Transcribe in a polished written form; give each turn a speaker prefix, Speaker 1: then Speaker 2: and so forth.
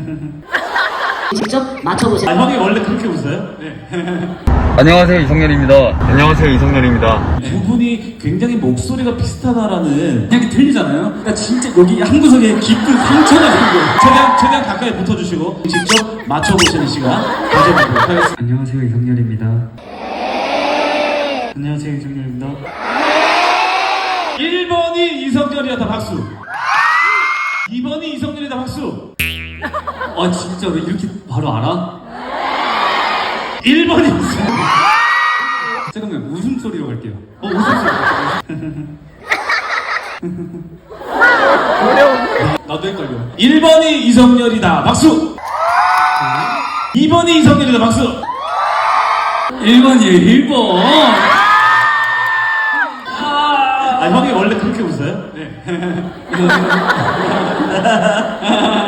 Speaker 1: 직접 맞춰보세요.
Speaker 2: 아, 형이 원래 그렇게 웃어요? 네.
Speaker 3: 안녕하세요, 이성렬입니다. 안녕하세요, 이성렬입니다.
Speaker 2: 두 분이 굉장히 목소리가 비슷하다라는 생각이 들리잖아요? 그러니까 진짜 여기 한 구석에 깊은 상처가 생겨요. 최대한 가까이 붙어주시고 직접 맞춰보시는 시간 가져보도록 하겠습니다.
Speaker 4: 안녕하세요, 이성렬입니다. 안녕하세요, 이성렬입니다.
Speaker 2: 1번이 이성렬이다 박수. 2번이 이성렬이다 박수.
Speaker 4: 아, 진짜 왜 이렇게 바로 알아?
Speaker 2: 1번이 이성렬.
Speaker 4: 잠깐만, 웃음소리로 갈게요.
Speaker 2: 웃음소리. 나도 헷갈려. 1번이 이성렬이다 박수. 2번이 이성렬이다 박수.
Speaker 4: 1번이에요, 1번.
Speaker 2: 아, 형이 원래 그렇게 웃어요? 네.